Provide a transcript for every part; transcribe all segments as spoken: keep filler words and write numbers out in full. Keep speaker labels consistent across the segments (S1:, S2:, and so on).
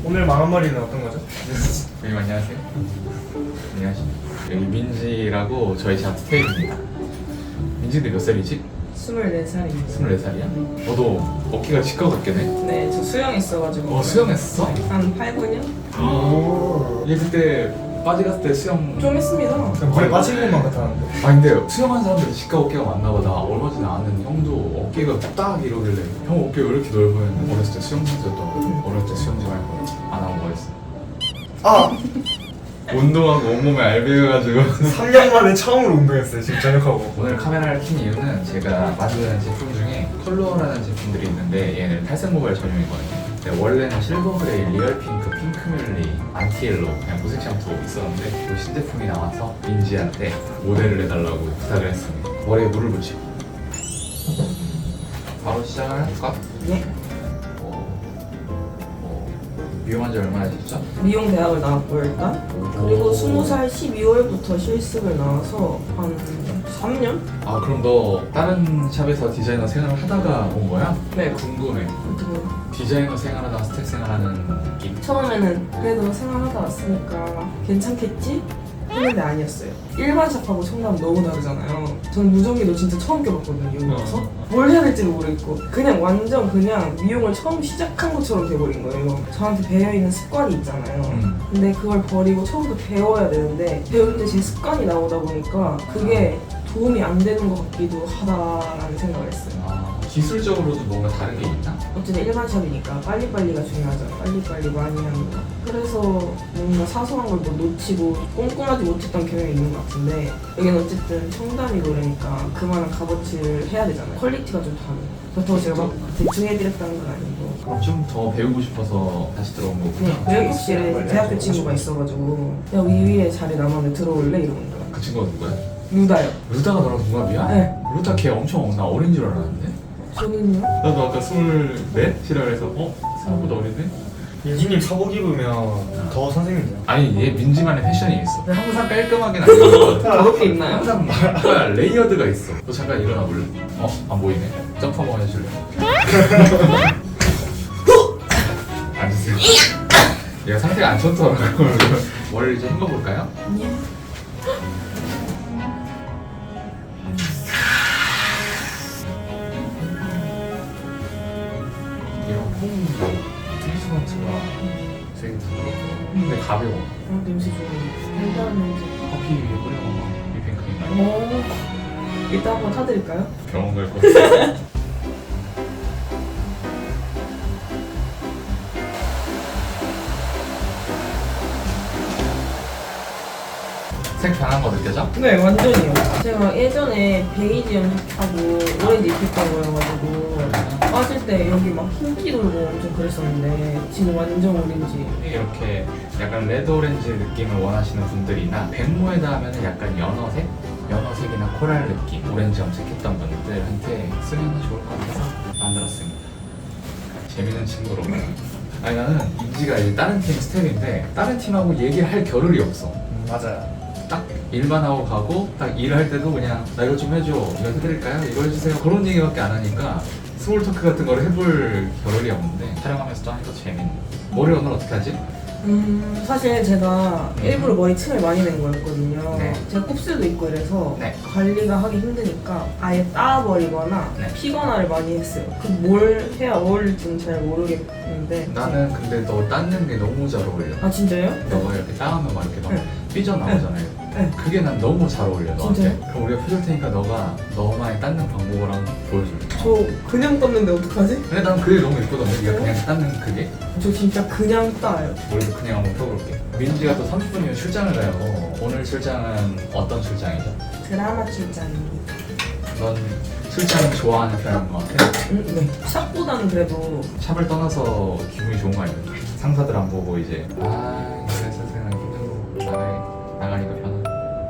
S1: 오늘 망한머리는 어떤 거죠?
S2: 선생님 안녕하세요. 안녕하십니까. 여기 민지라고 저희 제 스테이입니다. 민지인데 몇 살이지?
S3: 스물네 살입니다.
S2: 스물네 살이야? 너도 어깨가 치과 같긴 해.
S3: 네, 저 수영했어가지고.
S2: 어 수영했어?
S3: 한 팔, 구 년?
S2: 얘 그때 빠지 갔을 때 수영
S3: 좀 했습니다.
S1: 물에 빠진 것만 같았는데.
S2: 아 근데 수영하는 사람들이 치과 어깨가 많나 봐. 나 얼마 전에 아는 형도 어깨가 딱 이러길래 형 어깨가 왜 이렇게 넓어요? 어렸을 때 수영 선수였던 거. 어렸을 때 수영 좀 할 거야. 안 하고 뭐 했어?
S1: 아!
S2: 운동하고 온몸에 알배여가지고
S1: 삼 년 만에 처음으로 운동했어요, 지금 저녁하고.
S2: 오늘 카메라를 킨 이유는 제가 만드는 제품 중에 컬러라는 제품들이 있는데 얘는 탈색 모발 전용이거든요. 근데 원래는 실버 그레이, 리얼 핑크, 핑크 뮬리, 안티엘로 그냥 무색 샴푸 있었는데 그 신제품이 나와서 민지한테 모델을 해달라고 부탁을 했습니다. 머리에 물을 붙이고 바로 시작을 할까?
S3: 네.
S2: 어, 어, 미용한 지 얼마나 됐죠?
S3: 미용 대학을 나왔고 일단. 그리고 스무 살 십이월부터 실습을 나와서 한 삼 년?
S2: 아 그럼 너 다른 샵에서 디자이너 생활을 하다가 온 거야?
S3: 네.
S2: 궁금해.
S3: 어떻게
S2: 디자이너 생활하다가 스텝 생활하는 느낌?
S3: 처음에는 그래도 생활하다 왔으니까 괜찮겠지? 했는데 아니었어요. 일반 샵하고 청담 너무 다르잖아요. 저는 무전기도 진짜 처음 껴봤거든요, 여기 와서. 뭘 해야 될지도 모르겠고 그냥 완전 그냥 미용을 처음 시작한 것처럼 돼버린 거예요. 저한테 배어있는 습관이 있잖아요.
S2: 음.
S3: 근데 그걸 버리고 처음부터 배워야 되는데 배울 때 제 습관이 나오다 보니까 그게 도움이 안 되는 것 같기도 하다라는 생각을 했어요.
S2: 아, 기술적으로도 뭔가 다른 게 있나?
S3: 어쨌든 일반 샵이니까 빨리빨리가 중요하죠. 빨리빨리 많이 하는 거. 그래서 뭔가 사소한 걸 뭐 놓치고 꼼꼼하지 못했던 경향이 있는 것 같은데 여기는 어쨌든 청담이고 그러니까 그만한 값어치를 해야 되잖아요. 퀄리티가 좀 다르고 그렇다고 제가 막 대충 해드렸다는 건 아니고
S2: 그럼 좀 더 배우고 싶어서 다시 들어온 거구나.
S3: 그냥 외국실에 대학교 친구가 있어가지고 야 위위에 자리 남았는데 들어올래? 이러는 거야.
S2: 그 친구가 누구야?
S3: 루다요.
S2: 루다가 너랑 동갑이야?
S3: 네.
S2: 루다 걔 엄청 나 어린 줄 알았는데?
S3: 저는요?
S2: 나도 아까 스물넷? 시라 그래서 어? 생각보다 어린데?
S1: 민지님 사복 입으면 더 선생님이죠.
S2: 아니 얘 민지만의 패션이 있어. 항상 깔끔하긴 아니고
S3: 더럽게 입나요?
S2: 항상 뭔가 레이어드가 있어. 너 잠깐 일어나 볼래? 어? 안 보이네. 점프 한번 해줄래? 앉으세요. 얘가 상태가 안 좋더라고. 머리를 이제 헹궈볼까요?
S3: 아니요.
S2: 이런 폼도 트리트먼트가 되게 부드럽고 근데 가벼워.
S3: 어, 냄새 좋아요. 달달한 냄새.
S2: 커피 위에 뿌려 먹어. 휘핑크림이나
S3: 오. 이따 한번 타드릴까요?
S2: 병원 갈 거 같아. 색 변한 거 느껴져?
S3: 네, 완전히요. 제가 예전에 베이지 염색하고 오렌지 입혔던 거여가지고 빠질 때 여기 막 흰기 돌고 엄청 그랬었는데 지금 완전 오렌지.
S2: 이렇게 약간 레드 오렌지 느낌을 원하시는 분들이나 백모에다 하면 약간 연어색? 연어색이나 코랄 느낌 오렌지 염색했던 분들한테 쓰면 좋을 것 같아서 만들었습니다. 재밌는 친구로. 아니 나는 인지가 이제 다른 팀 스텝인데 다른 팀하고 얘기를 할 겨를이 없어.
S1: 음, 맞아요.
S2: 딱 일만 하고 가고 딱 일을 할 때도 그냥 나 이거 좀 해줘, 이거 해드릴까요? 이거 해주세요. 그런 얘기밖에 안 하니까 스몰 토크 같은 걸 해볼 겨를이 없는데 촬영하면서 또 하니까 재밌네. 머리 오늘 어떻게 하지?
S3: 음, 사실 제가 일부러 머리 층을 많이 낸 거였거든요.
S2: 네.
S3: 제가 곱슬도 있고 이래서
S2: 네.
S3: 관리가 하기 힘드니까 아예 따버리거나
S2: 네.
S3: 피거나를 많이 했어요. 그 뭘 해야 어울릴지는 잘 모르겠는데.
S2: 나는 근데 너 닦는 게 너무 잘 어울려.
S3: 아 진짜요?
S2: 너가 이렇게 따하면 막 이렇게 막
S3: 네.
S2: 삐져나오잖아요.
S3: 네.
S2: 그게 난 너무 잘 어울려 너한테.
S3: 진짜요?
S2: 그럼 우리가 펴줄 테니까 너가 너만의 닦는 방법을 한번 보여줄래?
S3: 저 그냥 떴는데 어떡하지?
S2: 근데 난 그게 너무 예쁘던데 네가 그냥 닦는 그게?
S3: 저 진짜 그냥 따요.
S2: 머리도 그냥 한번 펴볼게. 민지가 또 삼십 분이면 출장을 가요. 오늘 출장은 어떤 출장이죠?
S3: 드라마 출장입니다.
S2: 넌 출장 좋아하는 편인 것 같아?
S3: 음, 네. 샵보다는 그래도
S2: 샵을 떠나서 기분이 좋은 거 아니야? 상사들 안 보고 이제 아 이제 선생님 힘들고 나가 나가니까 편하다.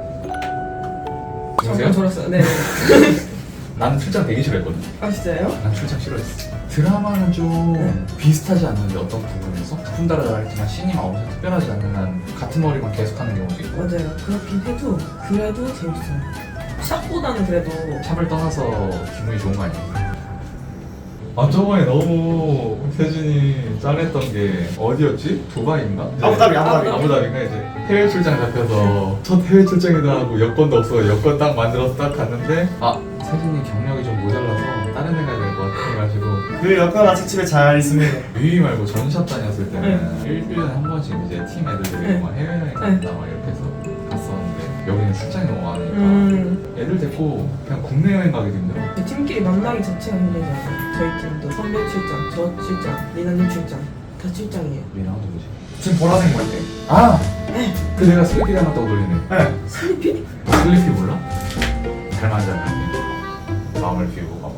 S3: 정말 졸았어요. 네.
S2: 나는 출장 되게 싫어했거든.
S3: 아 진짜요?
S2: 난 출장 싫어했어. 드라마는 좀
S3: 네.
S2: 비슷하지 않는데 어떤 부분에서? 작품 따라 다르지만 신이 막 엄청 특별하지 않는 한 같은 머리만 계속하는 경우도 있고
S3: 맞아요. 그렇긴 해도 그래도 재밌어요. 샵보다는 그래도
S2: 샵을 떠나서 기분이 좋은 거 아니야? 아 저번에 너무 세준이 짠했던 게 어디였지? 두바이인가? 이제
S1: 아부다비 아부다비.
S2: 아부다비인가 이제 해외 출장 잡혀서 첫 해외 출장이다 하고 여권도 없어 여권 딱 만들어서 딱 갔는데 아 세준이 경력이 좀 모자라서 다른 데 가야 될 것 같아 해가지고
S1: 그 여권 아직 집에 잘 있습니다.
S2: 유이 말고 전샵 다녔을 때는 일 년에 한 번씩 이제 팀 애들들이
S3: 네.
S2: 막 해외여행 간다 막 이렇게 해서 갔었는데 여기는 출장이 너무 많으니까
S3: 음.
S2: 애들 데리고 그냥 국내 여행 가기도 힘들어.
S3: 팀끼리 만나기 자체가 힘들잖아요. 저희 팀도 선배 출장, 저 출장, 리나님 출장 다 출장이에요.
S2: 미나가 누구지?
S1: 지금 보라색 머리 때.
S2: 아!
S3: 네.
S2: 그 내가 슬리피 닮았다고 돌리네.
S1: 네.
S3: 슬리피?
S2: 너 슬리피 몰라? 닮았지 않나? 마음을 비우고 가봐.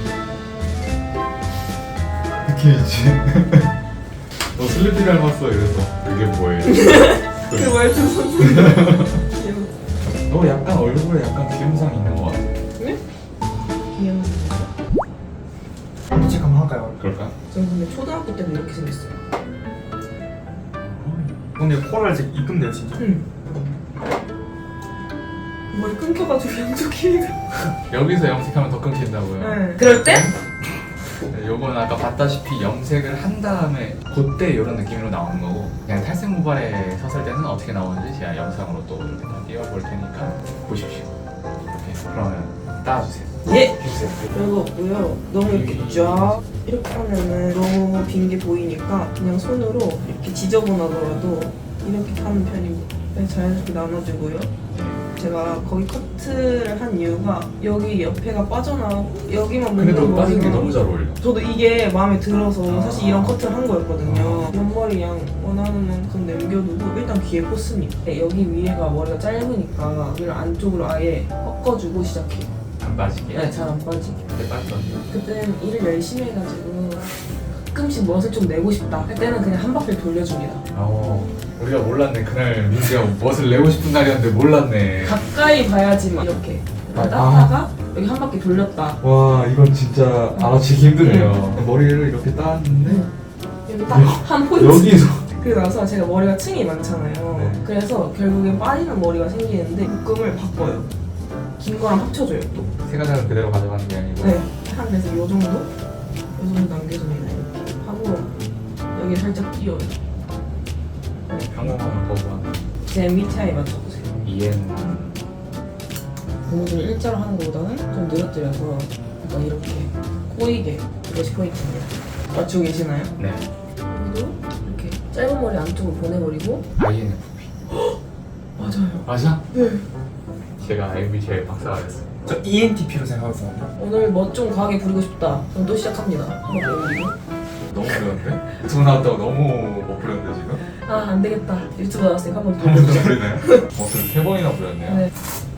S2: 느낌 있지? 너 슬리피 닮았어 이래서 그게 뭐예요?
S3: 그 말투 선생님. 귀여워.
S2: 너 약간 얼굴에 약간 비염상 있는 것 같아.
S3: 네? 귀여워.
S1: 한번 체크 한번 할까요?
S2: 그럴까?
S3: 전 근데 초등학교 때도 이렇게 생겼어요.
S1: 근데 코랄 색 이쁜데요 진짜.
S3: 응. 머리 끊겨가지고 양쪽 길이가.
S2: 여기서 염색하면 더 끊긴다고요?
S3: 네. 그럴 때?
S2: 네, 요거는 아까 봤다시피 염색을 한 다음에 그때 이런 느낌으로 나오는 거고 그냥 탈색 모발에 섰을 때는 어떻게 나오는지 제가 영상으로 또 이렇게 다 띄워볼 테니까 보십시오. 이렇게 그러면 따라주세요.
S3: 예.
S2: 해주세요.
S3: 별거 없고요. 너무 이렇게 쫙 이렇게 하면은 너무 빈 게 보이니까 그냥 손으로 이렇게 지저분하더라도 이렇게 하는 편입니다. 그냥 자연스럽게 나눠주고요. 제가 거기 커트를 한 이유가 여기 옆에가 빠져나오고 여기만
S2: 근데 너
S3: 묻는
S2: 빠진 게
S3: 머리가
S2: 너무 잘 어울려.
S3: 저도 이게 마음에 들어서
S2: 아.
S3: 사실 이런 커트를 한 거였거든요. 옆머리 양 원하는 만큼 남겨두고 일단 귀에 꽂습니다. 여기 위에가 머리가 짧으니까 여기를 안쪽으로 아예 꺾어주고 시작해요.
S2: 안 빠지게.
S3: 네, 잘 안 빠지게.
S2: 그때 빠지던데.
S3: 그때는 일을 열심히 해가지고 가끔씩 멋을 좀 내고 싶다 할 때는 그냥 한 바퀴 돌려줍니다.
S2: 어, 우리가 몰랐네. 그날 민지가 멋을 내고 싶은 날이었는데 몰랐네.
S3: 가까이 봐야지만 이렇게
S2: 아.
S3: 따다가 여기 한 바퀴 돌렸다.
S2: 와, 이건 진짜 알아채기 힘드네요. 머리를 이렇게 따는데
S3: 여기 딱 한 포인트.
S2: 여기서
S3: 그러고 나서 제가 머리가 층이 많잖아요.
S2: 네.
S3: 그래서 결국엔 빠지는 머리가 생기는데 묶음을 바꿔요. 긴 거랑 합쳐줘요 또.
S2: 세 가닥을 그대로 가져가는 게 아니고.
S3: 네. 한 그래서 요 정도? 요 정도 남겨줍니다. 이렇게 하고 여기 살짝 끼워요.
S2: 평범함을 거부하는
S3: 제 엠비티아이에 맞춰보세요.
S2: 이엔.
S3: 고무줄 일자로 하는 것보다는 좀 늘어뜨려서 약간 이렇게 꼬이게 이것이 포인트입니다. 맞추고 계시나요?
S2: 네.
S3: 여기도 이렇게 짧은 머리 안쪽으로 보내버리고
S2: 아이엔에프피.
S3: 맞아요.
S2: 맞아?
S3: 네.
S2: 제가 엠비티아이 박사가 됐어요.
S1: 저 이엔티피로 생각하거든요.
S3: 오늘 멋 좀 과하게 부리고 싶다. 그럼 또 시작합니다. 한번 올리고.
S2: 너무 부렸는데? 두 나왔다고 너무 못 부렸는데 지금?
S3: 아, 안 되겠다. 유튜브 나왔으니까 한번
S2: 한 번 더
S3: 돌려보자.
S2: 부리나요? 어, 그럼 세 번이나 부렸네요.
S3: 네.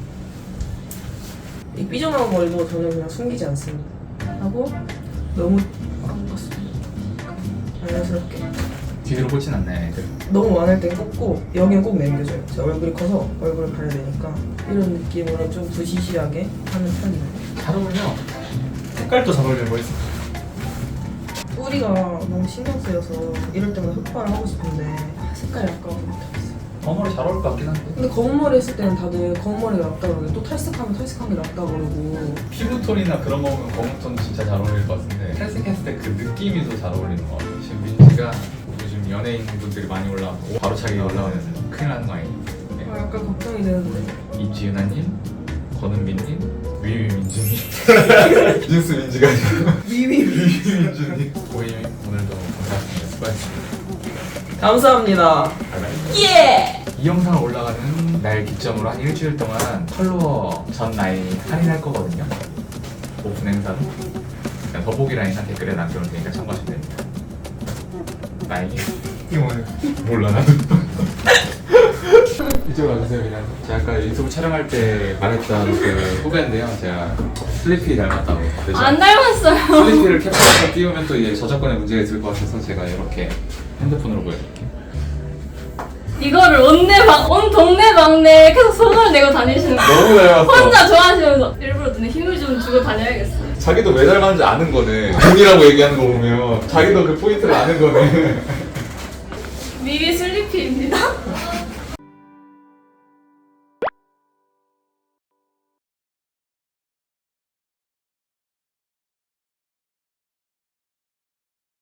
S3: 이 삐져나온 머리도 저는 그냥 숨기지 않습니다. 하고 너무 안 갔습니다. 자연스럽게.
S2: 뒤로 꽂진 않네. 애들.
S3: 너무 많을 땐 꽂고 여기는 꼭 남겨줘요. 제 얼굴이 커서 얼굴을 가려야 되니까 이런 느낌으로 좀 부시시하게 하는 편입니다.
S2: 잘 어울려.
S1: 색깔도 잘 어울리는 거 있어.
S3: 뿌리가 너무 신경 쓰여서 이럴 때마다 흑발을 하고 싶은데 아, 색깔이 아까워서 못하겠어요.
S2: 어머리 잘 어울릴 것 같긴 한데.
S3: 근데 검은 머리 했을 때는 다들 검은 머리가 낫다 그러고 또 탈색하면 탈색한 게 낫다 그러고
S2: 피부톤이나 그런 거 보면 검은 톤 진짜 잘 어울릴 것 같은데 탈색했을 때 그 느낌이 더 잘 어울리는 것 같아요. 지금 민지가 요즘 연예인 분들이 많이 올라오고 바로 차기 올라오면 큰일 나는 거 아니에요?
S3: 아, 약간 걱정이 되는데
S2: 이지은아님, 권은빈님, 위위민주님 뉴스 민지가 아니라
S3: 위위
S2: 위위민주님 고임 오늘도 감사합니다. 수고하셨습니다.
S3: 감사합니다.
S2: 바이바이.
S3: 예!
S2: 이 영상을 올라가는 날 기점으로 한 일주일 동안 컬러 전 라인 할인할 거거든요. 오픈 행사로. 그냥 더보기 라인이나 댓글에 남겨놓을 테니까 참고하시면 됩니다. 라인이
S1: 이거 뭐예요?
S2: 몰라 나도. 이쪽으로 와주세요 그냥. 제가 아까 유튜브 촬영할 때 말했던 그 후배인데요. 제가 슬리피 닮았다고. 그래서
S4: 안 닮았어요.
S2: 슬리피를 캡처해서 띄우면 또 이제 저작권에 문제가 있을 것 같아서 제가 이렇게 핸드폰으로 보여드릴게요.
S4: 이거를 온내 막, 온 동네 막내 계속 손을 내고 다니시는 거.
S2: 너무 닮았어.
S4: 혼자 좋아하시면서 일부러 눈에 힘을 좀 주고 다녀야겠어요.
S2: 자기도 왜 닮았는지 아는 거네. 눈이라고 얘기하는 거 보면 자기도 그 포인트를 아는 거네.
S4: 미리 슬리피입니다.